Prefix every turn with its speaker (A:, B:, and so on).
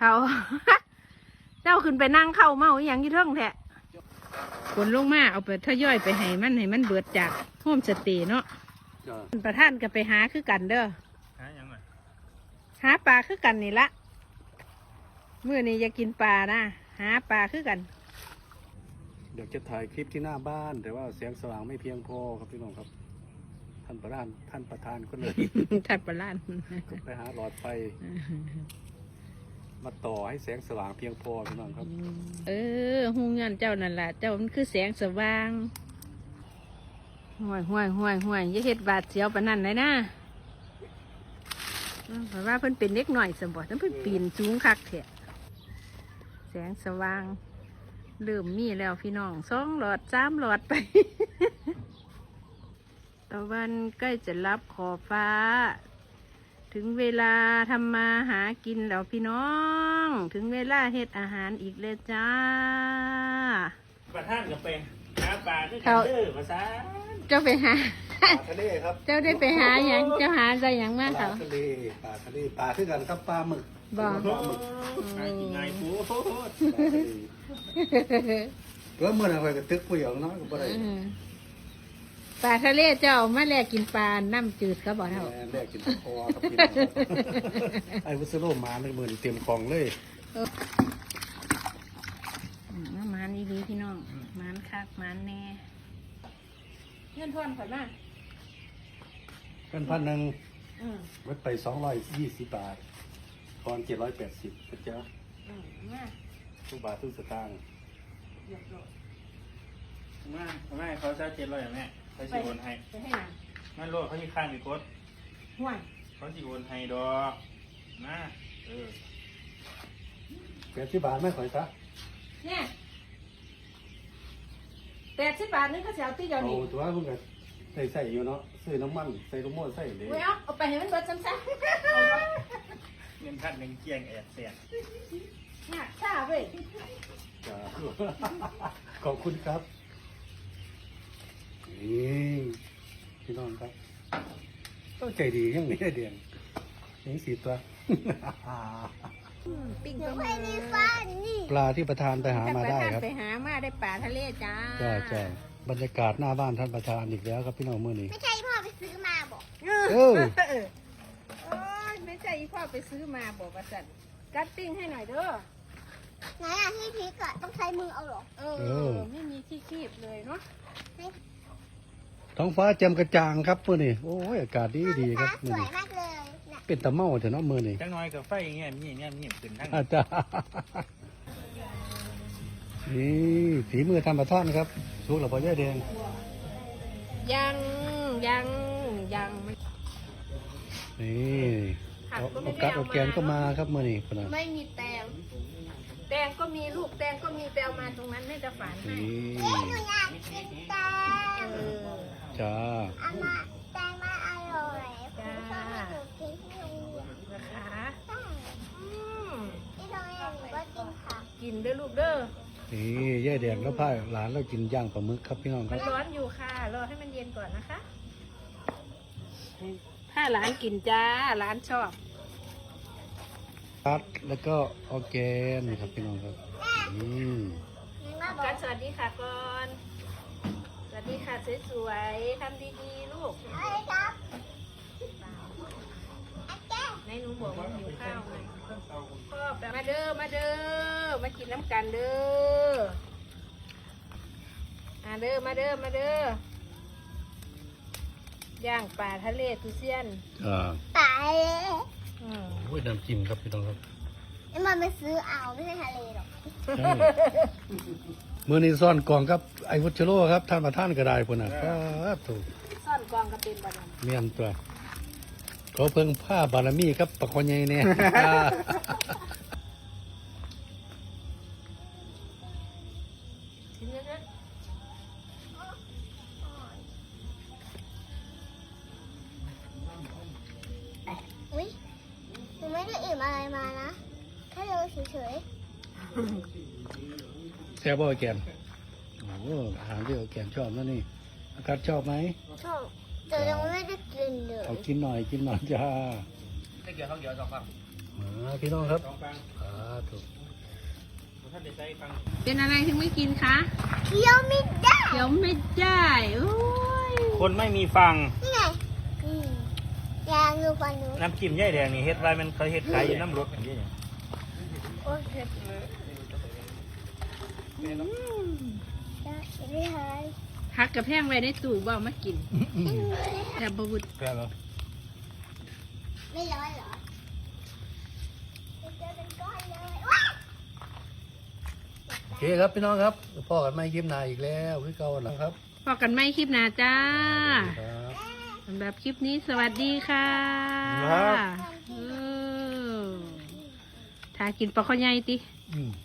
A: เขา เจ้าขึ้นไปนั่งเข้าเมาอหย่างยี่เทิงแท้ฝนลงมาเอาไปทยอยไปให้มันเบิดจากโฮมสเตย์เนาะประท่านก็ไปหาคือกันเด้อหายังไงหาปลาคือกันนี่ละมื้อนี้อยากกินปลานะหาปลาคือกัน
B: เดี๋ยวจะถ่ายคลิปที่หน้าบ้านแต่ว่าแสงสว่างไม่เพียงพอครับพี่น้องครับท่านประธานก็เลย
A: ทัดปลาล้าน
B: ไปหาหลอดไฟมาต่อให้แสงสว่างเพียงพอพี่น้องครับ
A: หูเงินเจ้านั่นแหละเจ้ามันคือแสงสว่างห่วยอย่าเฮ็ดบาดเสียวปานนั้นเลยนะเพราะว่าเพิ่นเป็นเด็กหน่อยสมบัติเพิ่นปีนสูงคักแท้แสงสว่างเริ่มมีแล้วพี่น้อง2 หลอด 3 หลอดไป ตะวันใกล้จะรับขอบฟ้าถึงเวลาทำมาหากินแล้วพี่น้องถึงเวลาเฮ็ดอาหารอีกเลยจ้า
C: ประท่านกับเป็นหาปลาด้วยกันเด้อภาษา
A: เจ้าไปหา
B: ปลาทะเลครับ
A: เจ้าได้ไปหาอย่างเจ้าหาอะไรอย่างมาก
B: ป
A: เขา
B: ลาทะเลปลาคือกันครับปลาหมึก
A: บอก
B: ปลาหมึก
C: หากินไงปู
B: ก็เมื่อไหร่ก็ตึกผู้หญิงเนาะก็บ่ได้
A: ปลาทะเลเจ้ามาแลกกินปลาน้ำจืดเขาบอกเท่า
B: แรกกินคอครับพี่น้องไอ้วุฒิโรมาในมือเตรียมของเลย
A: น้ำมันดีพี่น้องมันคักมันแน่เงื่อนทวนข่อยมา
B: เป็น1,000วัดไป220 บาทตอน780นะจ๊ะ
A: มา
B: ทุกบาททุกสตางค์
C: แม่เขาจะ700แม่เขาสิโอนให้
A: ไปให้หนัง
C: นั่นโลดเขาที่ข้างมีกด
A: ห่วย
C: เขาสิโอนให้ดอกนะ
B: 80 บาทไม่ข่อยซะ
A: เนี่ย80 บาทนึงเขาจะเอาที่เดียว
B: เอา
A: นี่
B: ตัวมึงก็ใส่อยู่เนาะซื้อน้ำมันใส่ลูกโม่ใส่เลย
A: เอาไปให้มันเบิดซ้ำ
C: เงินพันหนึ่งเกียงแสน
A: ๆเนี่ยช้าเว้ย
B: จ้า ขอบคุณครับนี่พี่น้องครับต้องใจดีอย่างนี้เดียนยังสีตัว
A: ปิ้งปลาหมึก
B: ปลาที่ประธานไปหามาได้ครับ
A: ไปหามาได้ปลาทะเลจ้า
B: จ้าบรรยากาศหน้าบ้านท่านประธานอีกแล้วครับพี่น้องมื้อนี้
D: ไม่ใช่พ่อไปซื้อมาบอก
B: เออ
A: ไม่ใช่พ่อไปซื้อมาบอกว่าสันกัดปิ้งให้หน่อยเด้อ
D: ไหนอ่ะที่พริกอ่ะต้องใช้มือเอาเหรอ
A: ไม่มีที่คีบเลยเนาะ
B: ท้องฟ้าแจ่มกระจ่างครับมื้อนี้โอ้ยอากาศดีครับ
D: ส
B: มื้อ
D: วย
B: นี้
D: มากเลยนะ
B: เป็นตะเมาเถอะเนาะมื้อนี้
C: จังน้อยกับไฟเงี้ยมีขึ้นทั้ง
B: อาจารย์นี่ฝีมือท่านประธานครับสุกหรือเปล่าย่าแดง
A: ยังไม่
B: นี่เอากัดเอาแกนก็มาครับมื้อนี้พุ่นน่ะ
A: ไม่มีแตงก็มีลูกแตงก็มีแปลมาตรงนั้นให้จะฝานให้
B: นี่
D: หนูอยากกินแตง
B: จ้า
D: อามาแตงมาอร่อยคุณชอบให้หนูกินที่โรงเรียน
A: นะคะ
D: ใช่ที่โรงเรียนหนูก็กินค่ะ
A: กินเด้อลูกเด้อ
B: นี่ย่าแดงแล้วพาหลานเรากินย่างปลาหมึกครับพี่น้องค
A: มั
B: รั
A: น
B: บ
A: ร้อนอยู่ค่ะรอให้มันเย็นก่อนนะคะถ้าหลานกินจ้าหลานชอบ
B: คัดแล้วก็ออร์แกนครับพี่น้องครับนี่
D: มาบอ
A: กั
D: ก
A: นสวัสดีค่ะก่อนสวัสดีค่ะสวยๆทำดีๆลูก
D: อะไรครับอาแก้
A: ในหนูบอกว่าหิวข้าวไงพ่อแบบมาเด้อมากินน้ำกันเด้อมาเด้อย่างปลาทะเลทุเซียน
D: ตายเลย
B: โอ้ยน้ำจิ้มครับพี่น้องครับ
D: นี่มันไปซื้อเอาไม่ใช่ทะเลหรอก
B: มือนี้ซ่อนกล่องครับไอ้วุฒิโลครับท่านประธานก็ได้พุ่นน่ะครับถูก
A: ซ่อนกองกระเป็นบานัน
B: เมียนตัวเขาเพิ่งผ้าบารมีครับปะคอนใหญ่เนี่ย
A: ชิ้นเล็ก
D: อุ้ยหนูไม่ได้อิ่มอะไรมานะแค่เดินเฉย
B: แซ่บบ่แกนโอ้โหอาหารที่แกนชอบนั่นนี่อากาศชอบไหม
D: ๆชอบแต่ยังไม่ได้กินเลย
B: เอากินหน่อยจ้า
C: ได้เกี่ยวเขาเกี่ยว2 ฝั่ง
B: พี่น้องครับ
C: 2 ฝั่ง
B: ครับธุ
C: ท่านได้ใช้ฟัง
A: เป็นอะไรถึงไม่กินคะ
D: เคี้ยวไม่ได้
A: เดี๋ยวไม่ได้โอ้ย
C: คนไม่มีฟัง
D: นี่ไงยางดูฟันหนู
C: น้ำจิ้มย่ายแดงนี่เฮ็ดไว้มันเคยเฮ็ดขายอยู่น้ำรถอย่างนี้เนี่ย
D: โอ้ยเผ็ดเลยได้ไม่หาย
A: พักกับแพงไว้ในตู้บ่เอามากินแต่บวุฒ
C: แพ้แล้ว
D: ไม่ร้อนเหรอเจอเป็นก้อนเลยว้า
B: โอเคครับพี่น้องครับพ่อกันไม่ยิ้มนายอีกแล้วคือเก่าแล้วครับ
A: พอกันไม่คลิปหน้าจ้า
B: ครับ
A: สำหรับคลิปนี้สวัสดีค่ะเออถ้ากินปลาข้าวใหญ่ติ
B: อืม